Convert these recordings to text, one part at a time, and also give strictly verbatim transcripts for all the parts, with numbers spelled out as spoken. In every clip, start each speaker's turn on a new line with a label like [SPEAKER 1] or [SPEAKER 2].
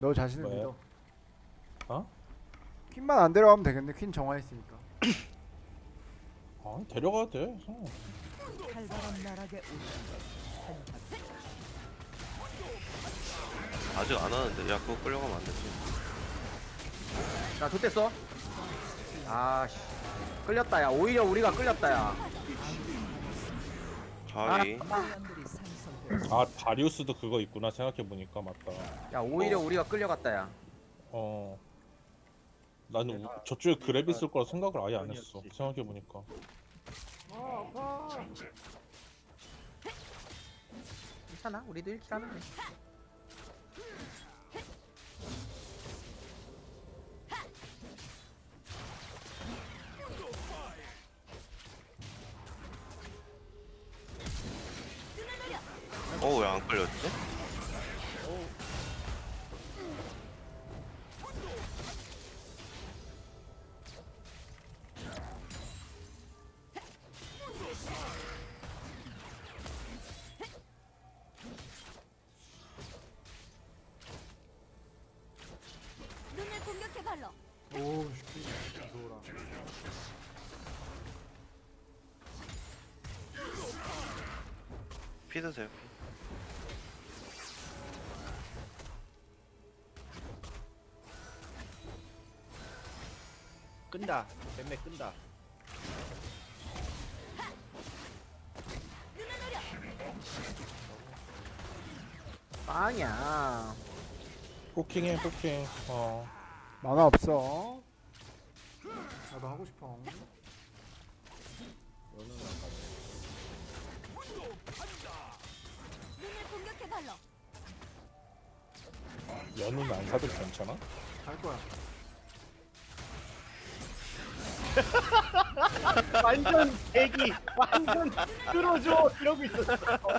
[SPEAKER 1] 너 자신을
[SPEAKER 2] 뭐야?
[SPEAKER 1] 믿어.
[SPEAKER 2] 어?
[SPEAKER 1] 퀸만 안 데려가면 되겠네. 퀸 정화했으니까.
[SPEAKER 2] 아 데려가야 돼. 어.
[SPEAKER 3] 칼바람 나락에 오신
[SPEAKER 4] 아직 안 하는데. 야, 그거 끌려가면 안 되지.
[SPEAKER 5] 나 좋댔어. 아씨 끌렸다 야. 오히려 우리가 끌렸다 야.
[SPEAKER 4] 가위.
[SPEAKER 3] 사람들이 상성되어
[SPEAKER 2] 아 다리우스도 그거 있구나 생각해 보니까 맞다.
[SPEAKER 5] 야 오히려
[SPEAKER 4] 어.
[SPEAKER 5] 우리가 끌려갔다 야.
[SPEAKER 2] 어. 나는 우, 저쪽에 그랩 있을 거라 생각을 아예 안 했어. 생각해 보니까.
[SPEAKER 5] 괜찮아 우리도 일 킬 하면 돼.
[SPEAKER 4] 어, 왜 안 끌렸지?
[SPEAKER 6] 눈을 공격해 발로.
[SPEAKER 1] 오, 씨. 무서워라.
[SPEAKER 4] 피 드세요.
[SPEAKER 7] 끈다. 뱀매 끈다.
[SPEAKER 5] 빵이야.
[SPEAKER 2] 포킹해 포킹. 어.
[SPEAKER 1] 만화 없어. 나도 하고 싶어.
[SPEAKER 7] 너는 안 가네.
[SPEAKER 6] 눈을 공격해 발로.
[SPEAKER 2] 연우는 안 사도 괜찮아?
[SPEAKER 1] 갈 거야.
[SPEAKER 7] 완전 대기. 완전 끌어줘. 이러고 있었어.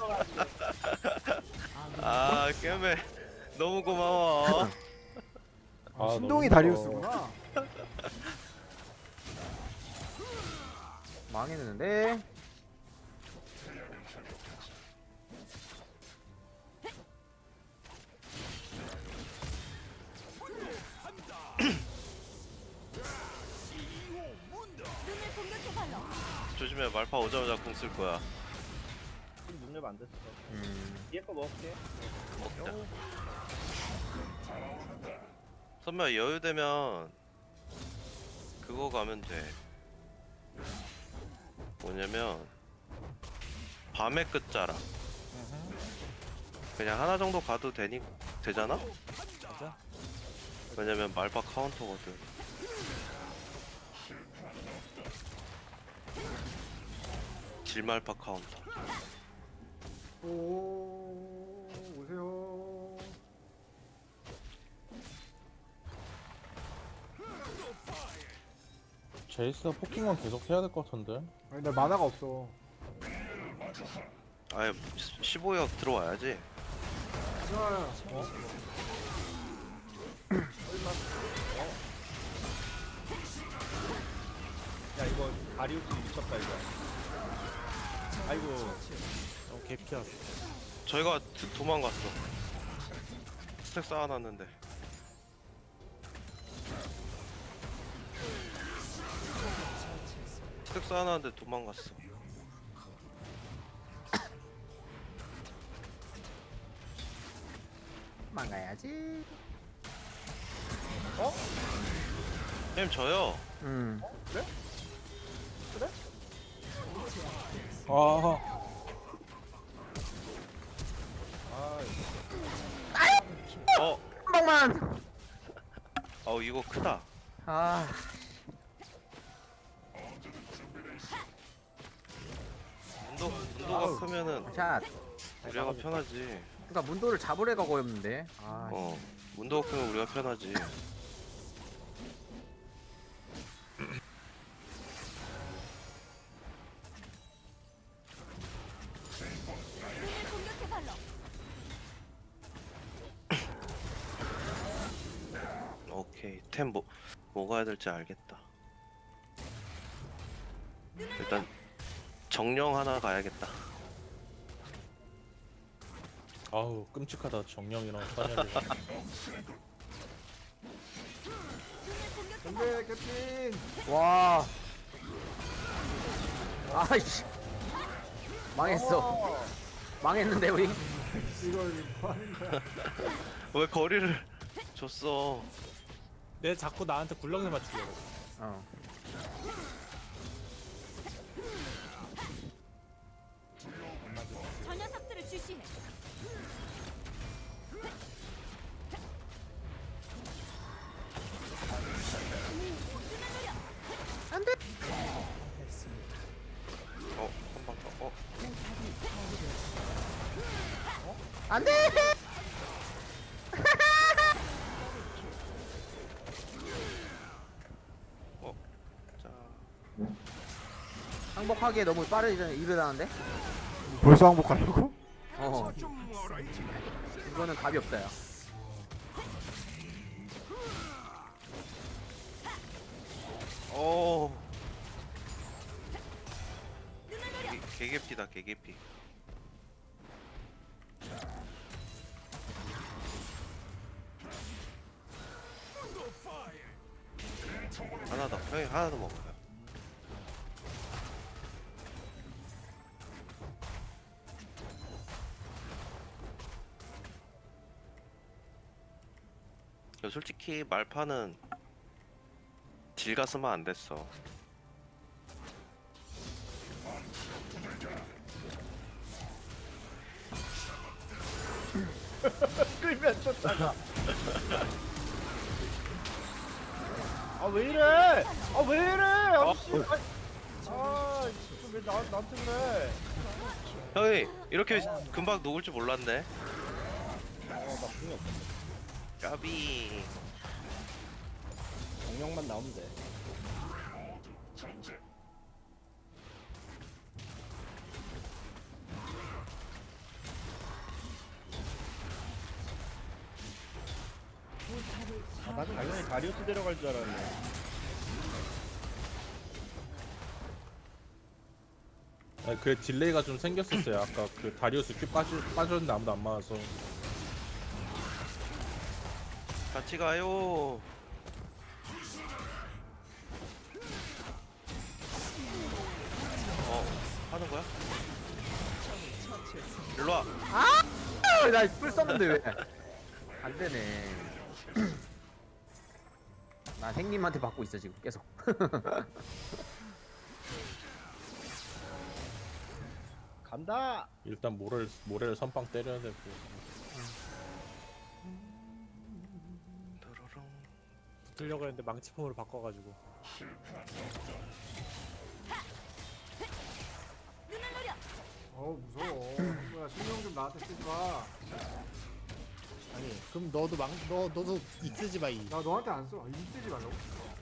[SPEAKER 4] 아, 깨매. 너무 고마워.
[SPEAKER 1] 아,
[SPEAKER 2] 아,
[SPEAKER 1] 신동이
[SPEAKER 2] 너무
[SPEAKER 1] 다리우스구나.
[SPEAKER 5] 망했는데.
[SPEAKER 6] 눈을 공격해 발로.
[SPEAKER 4] 조심해, 말파 오자마자 궁 쓸 거야.
[SPEAKER 7] 좀 눈을 안 됐어.
[SPEAKER 5] 음.
[SPEAKER 7] 뒤에 거 먹을게.
[SPEAKER 4] 먹자. 선배야, 여유되면 그거 가면 돼. 뭐냐면 밤의 끝자락. 그냥 하나 정도 가도 되니 되잖아?
[SPEAKER 2] 맞아.
[SPEAKER 4] 왜냐면 말파 카운터거든. 질말파 카운터.
[SPEAKER 1] 오, 오세요.
[SPEAKER 2] 제이스가 포킹만 계속 해야 될 것 같은데.
[SPEAKER 1] 아니, 나 만화가 없어.
[SPEAKER 4] 아예 십오 역 들어와야지.
[SPEAKER 1] 좋아요. 어?
[SPEAKER 7] 야 이거 다리우스 미쳤다 이거. 아이고.
[SPEAKER 2] 어, 개피야.
[SPEAKER 4] 저희가 드- 도망갔어. 스택 쌓아놨는데. 스택 쌓아놨는데 도망갔어.
[SPEAKER 5] 망가야지.
[SPEAKER 4] 게임 져요.
[SPEAKER 5] 음.
[SPEAKER 2] 아.
[SPEAKER 4] 어,
[SPEAKER 5] 한 방만.
[SPEAKER 4] 어 이거 크다.
[SPEAKER 5] 아.
[SPEAKER 4] 문도 문도가 크면은
[SPEAKER 5] 자.
[SPEAKER 4] 우리가 편하지.
[SPEAKER 5] 그러니까 문도를 잡을 애가 어렵는데. 아.
[SPEAKER 4] 어, 문도가 크면 우리가 편하지.
[SPEAKER 6] 눈을 공격해 발로.
[SPEAKER 4] 오케이, 템 뭐 뭐가 해야 될지 알겠다. 일단 정령 하나 가야겠다.
[SPEAKER 2] 아우 끔찍하다 정령이랑 사냥이.
[SPEAKER 1] 안돼 캡틴.
[SPEAKER 5] 와. 아이씨. 망했어.
[SPEAKER 7] 어.
[SPEAKER 5] 망했는데 우리.
[SPEAKER 1] 이거 이거 뭐 하는 거야?
[SPEAKER 4] 왜 거리를 줬어?
[SPEAKER 2] 내 자꾸 나한테 굴렁이 맞추려고.
[SPEAKER 5] 어.
[SPEAKER 6] 저 녀석들을 주시해.
[SPEAKER 4] 어, 한 방 더. 어,
[SPEAKER 5] 안 돼!
[SPEAKER 4] 어. 자,
[SPEAKER 5] 항복하기에 너무 빠르지 이르다는데?
[SPEAKER 1] 벌써 항복하려고?
[SPEAKER 5] 어. 이거는 답이 없다 야.
[SPEAKER 4] 어. 개- 개개피다, 개개피. 하나 더, 형이 하나 더 먹어요. 야, 솔직히 말파는 딜 갔으면 안 됐어.
[SPEAKER 7] 끌면 쫓아가. 아 왜 이래? 아 왜 이래? 아씨. 아, 왜 나, 나한테 그래?
[SPEAKER 4] 형이 이렇게 금방 녹을 줄 몰랐네.
[SPEAKER 7] 어나 분이 없어.
[SPEAKER 4] 까비.
[SPEAKER 7] 정령만 나오면 돼. 아, 나도 당연히 다리우스 데려갈 줄 알았네.
[SPEAKER 2] 아니, 그래 딜레이가 좀 생겼었어요. 아까 그 다리우스 큐 빠져 빠졌는데 아무도 안 맞아서.
[SPEAKER 4] 같이 가요. 어, 하는 거야? 일로 와.
[SPEAKER 5] 아, 나뿔 썼는데 왜? 안 되네. 나 행님한테 받고 있어 지금 계속.
[SPEAKER 7] 간다.
[SPEAKER 2] 일단 모래를 모래를 선빵 때려야 되고.
[SPEAKER 4] 도로롱.
[SPEAKER 2] 붙으려고 했는데 망치폼으로 바꿔가지고.
[SPEAKER 6] 눈을 노려.
[SPEAKER 1] 어우 무서워. 뭐야 신경 좀 나한테 쓰지 마.
[SPEAKER 8] 아니 그럼 너도 망 너 너도 이쓰지 마 이.
[SPEAKER 1] 나 너한테 안 써. 이 쓰지 말라고.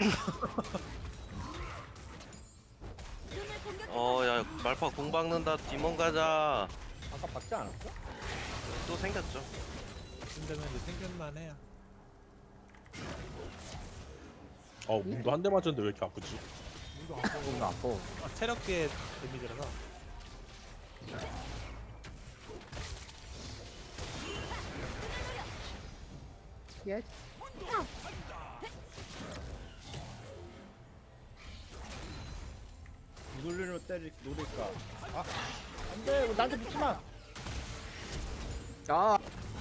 [SPEAKER 6] 눈을 공격해.
[SPEAKER 4] 어, 야, 말파 공 박는다. 디몬 가자.
[SPEAKER 7] 아까 박지 않았어?
[SPEAKER 4] 또 생겼죠.
[SPEAKER 2] 힘들면 생겼만 해야. 어, 문도 한 대 맞았는데 왜 이렇게 아프지?
[SPEAKER 1] 문도 안 써.
[SPEAKER 5] 너무 아파.
[SPEAKER 2] 아, 체력계 데미지라서.
[SPEAKER 5] 예.
[SPEAKER 7] 무돌리로 때릴 노릴까? 아, 안돼. 나한테 붙지 마.
[SPEAKER 5] 아,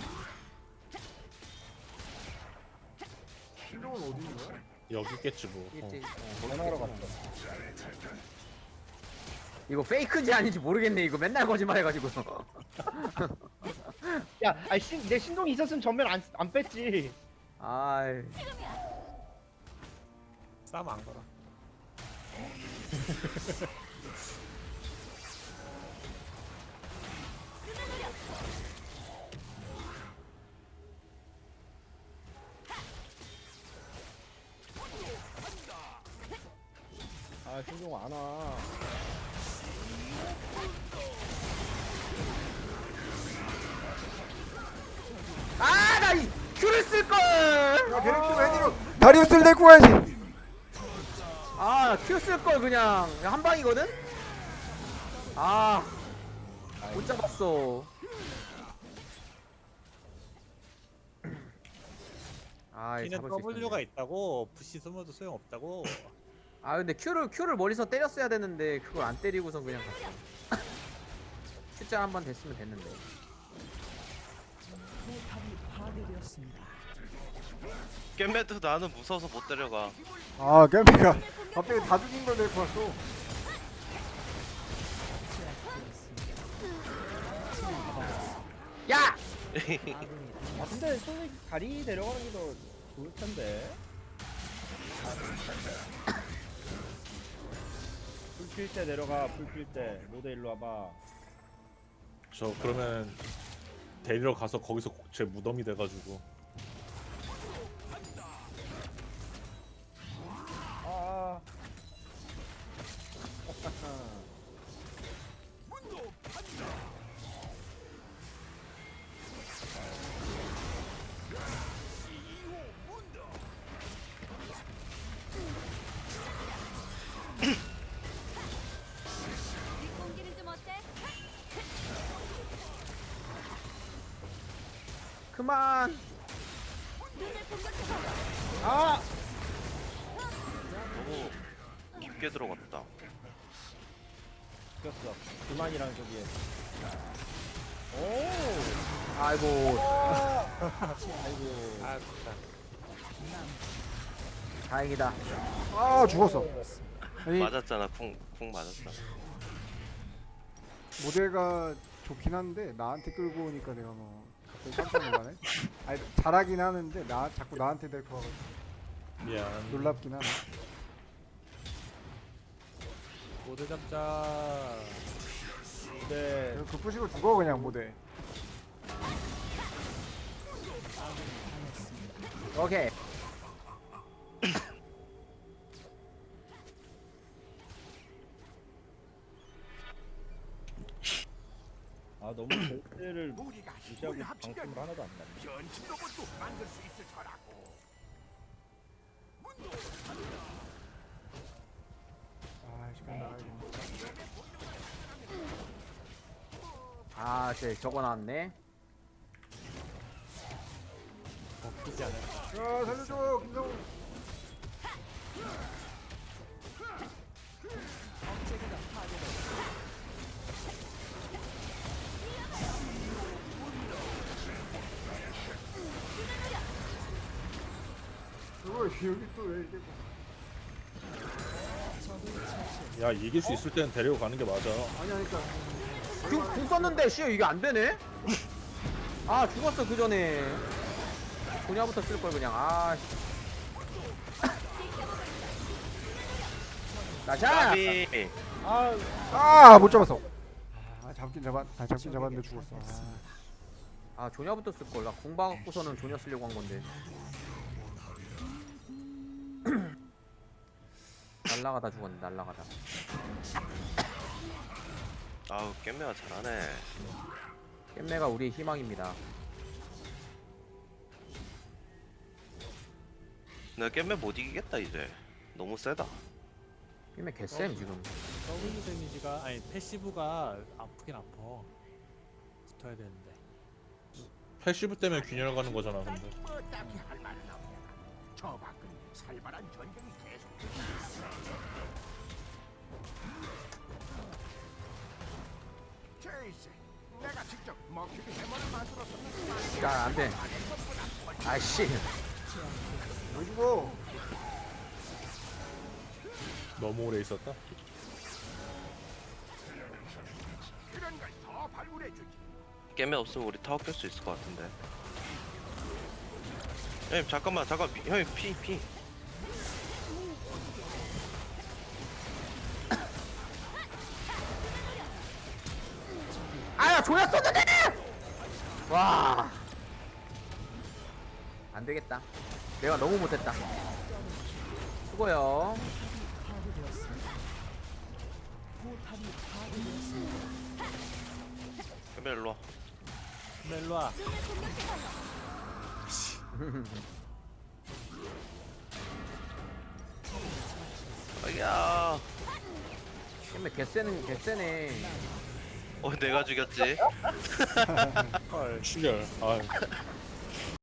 [SPEAKER 1] 신경은 어디 있는 거야?
[SPEAKER 2] 여기 있겠지 뭐. 어.
[SPEAKER 5] 있지.
[SPEAKER 7] 전화하러 갔어.
[SPEAKER 5] 이거 페이크인지 아닌지 모르겠네. 이거 맨날 거짓말해가지고.
[SPEAKER 7] 야, 아니 신, 내 신동이 있었으면 전면 안, 안 뺐지.
[SPEAKER 5] 아이.
[SPEAKER 2] 싸움 안 걸어.
[SPEAKER 7] 아, 신동 안 와.
[SPEAKER 5] 아, 나 이 큐를 쓸 걸.
[SPEAKER 1] 야 걔네 좀 해니로 다리우스를 데리고 가야지.
[SPEAKER 5] 아, 큐 쓸 걸 그냥 한 방이거든. 아, 못 잡았어. 아
[SPEAKER 8] Q는
[SPEAKER 5] 잡을 수
[SPEAKER 8] W가
[SPEAKER 5] 있었네.
[SPEAKER 8] 있다고 부시 숨어도 소용없다고.
[SPEAKER 5] 아 근데 Q를 Q를 멀리서 때렸어야 되는데 그걸 안 때리고선 그냥 갔어. Q자 한 번 됐으면 됐는데.
[SPEAKER 3] 포탑이 파괴되었습니다.
[SPEAKER 4] 겜매도 나는 무서워서 못 데려가.
[SPEAKER 1] 아 겜비가 갑자기 다 죽인 걸 데리고 왔어.
[SPEAKER 5] 야!
[SPEAKER 7] 아 근데 솔직히 다리 내려가는 게 더 좋을 텐데. 불필 때 내려가. 불필 때 모두 일로 와봐.
[SPEAKER 2] 저 그러면 데리러 가서 거기서 제 무덤이 돼가지고.
[SPEAKER 7] 아.
[SPEAKER 6] 공기는 좀 어때?
[SPEAKER 5] 그만.
[SPEAKER 6] 눈을 공격해 발로.
[SPEAKER 7] 아!
[SPEAKER 4] 너무 깊게 들어갔다.
[SPEAKER 7] 죽였어. 그만이랑 저기에. 오!
[SPEAKER 5] 아이고.
[SPEAKER 7] 아이고.
[SPEAKER 8] 아 진짜.
[SPEAKER 5] 다행이다.
[SPEAKER 1] 아 죽었어. 아니
[SPEAKER 4] 맞았잖아. 쿵, 쿵 맞았잖아.
[SPEAKER 1] 모델가 좋긴 한데 나한테 끌고 오니까 내가 뭐 갑자기 깜짝 놀라네. 아니 잘하긴 하는데 나 자꾸 나한테 데리고 와가지고
[SPEAKER 2] 미안.
[SPEAKER 1] 놀랍긴 하네.
[SPEAKER 8] 모두 잡자.
[SPEAKER 7] 네.
[SPEAKER 1] 그 부시고 죽어 그냥 모델.
[SPEAKER 5] 오케이.
[SPEAKER 7] 아 너무 절대를 무시하고 방심을 하나도 안 나네.
[SPEAKER 1] 아 시간 나가야겠네.
[SPEAKER 5] 아, 쟤 저거 나왔네.
[SPEAKER 8] 먹히지 않을.
[SPEAKER 1] 야 살려줘 김성우. 그거 여기 또 왜 이렇게
[SPEAKER 2] 야 이길 수 있을 때는 데리고 가는 게 맞아.
[SPEAKER 1] 아니 하니까
[SPEAKER 5] 궁, 궁 썼는데 씨 이게 안 되네. 아 죽었어 그 전에. 분야부터 쓸 걸 그냥. 아. 씨. 나샤.
[SPEAKER 4] 까비.
[SPEAKER 7] 아,
[SPEAKER 1] 아못 잡았어. 아 잡긴 잡았 아 잡긴 잡았는데 죽었어. 아.
[SPEAKER 5] 아 조냐부터 쓸 걸. 나 공방 갖고서는 조냐 쓰려고 한 건데. 날라가다 죽었네. 날라가다.
[SPEAKER 4] 아우 겜매가 잘하네.
[SPEAKER 5] 깻매가 우리의 희망입니다.
[SPEAKER 4] 내가 겜매 못 이기겠다 이제. 너무 세다.
[SPEAKER 5] 깻매 개쌤 지금.
[SPEAKER 8] W 데미지가 아니 패시브가 아프긴 아파. 붙어야 되는데.
[SPEAKER 2] 패시브 때문에 균열 가는 거잖아 근데.
[SPEAKER 5] 야 안돼. 아이씨.
[SPEAKER 1] 왜 죽어?
[SPEAKER 2] 너무 오래 있었다.
[SPEAKER 4] 겜매 없으면 우리 타워 깰 수 있을 것 같은데. 형님 잠깐만 잠깐 피- 형님 피 피.
[SPEAKER 5] 아야 조냐 썼는데. 와. 안 되겠다. 내가 너무 못했다. 수고요.
[SPEAKER 3] 파괴되었습니다. 포탑이 파괴되었습니다.
[SPEAKER 4] 겜매 일로 와.
[SPEAKER 8] 일로 와.
[SPEAKER 6] 눈을 공격해 발로.
[SPEAKER 4] 야.
[SPEAKER 5] 깻매 개쎄는 개쎄네.
[SPEAKER 4] 어 내가 죽였지.
[SPEAKER 2] 헐 출혈. 아